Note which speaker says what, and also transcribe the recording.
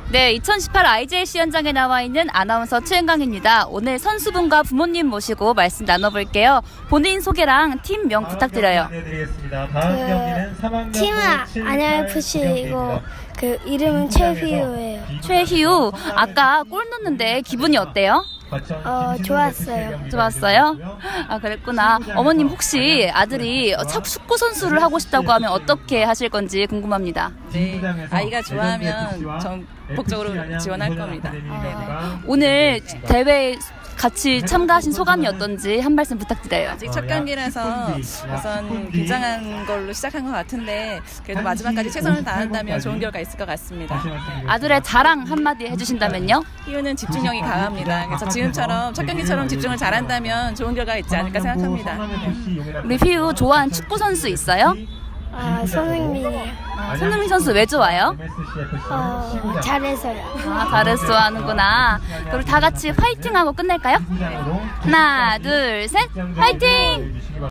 Speaker 1: 네, 2018 IJC 현장에 나와 있는 아나운서 최은강입니다. 오늘 선수분과 부모님 모시고 말씀 나눠볼게요. 본인 소개랑 팀명 부탁드려요.
Speaker 2: 팀은 안양FC이고 그 이름은 최휘우예요.
Speaker 1: 최희우, 아까 골 넣는데 기분이 어때요?
Speaker 2: 좋았어요.
Speaker 1: 좋았어요? 아, 그랬구나. 어머님 혹시 아들이 축구 선수를 하고 싶다고 하면 어떻게 하실 건지 궁금합니다.
Speaker 3: 네, 아이가 좋아하면 전폭적으로 지원할 겁니다. 네네.
Speaker 1: 오늘 대회 같이 참가하신 소감이 어떤지 한 말씀 부탁드려요.
Speaker 3: 아직 첫 경기라서 우선 긴장한 걸로 시작한 것 같은데 그래도 마지막까지 최선을 다한다면 좋은 결과 있을 것 같습니다.
Speaker 1: 아들의 자랑 한마디 해주신다면요?
Speaker 3: 희우는 집중력이 강합니다. 그래서 지금처럼 첫 경기처럼 집중을 잘한다면 좋은 결과가 있지 않을까 생각합니다.
Speaker 1: 우리 휘우 좋아하는 축구 선수 있어요?
Speaker 2: 손흥민이요.
Speaker 1: 손흥민 선수 왜 좋아요?
Speaker 2: 잘해서요.
Speaker 1: 잘해서 좋아하는구나. 그럼 다 같이 화이팅하고 끝낼까요? 하나, 둘, 셋, 화이팅!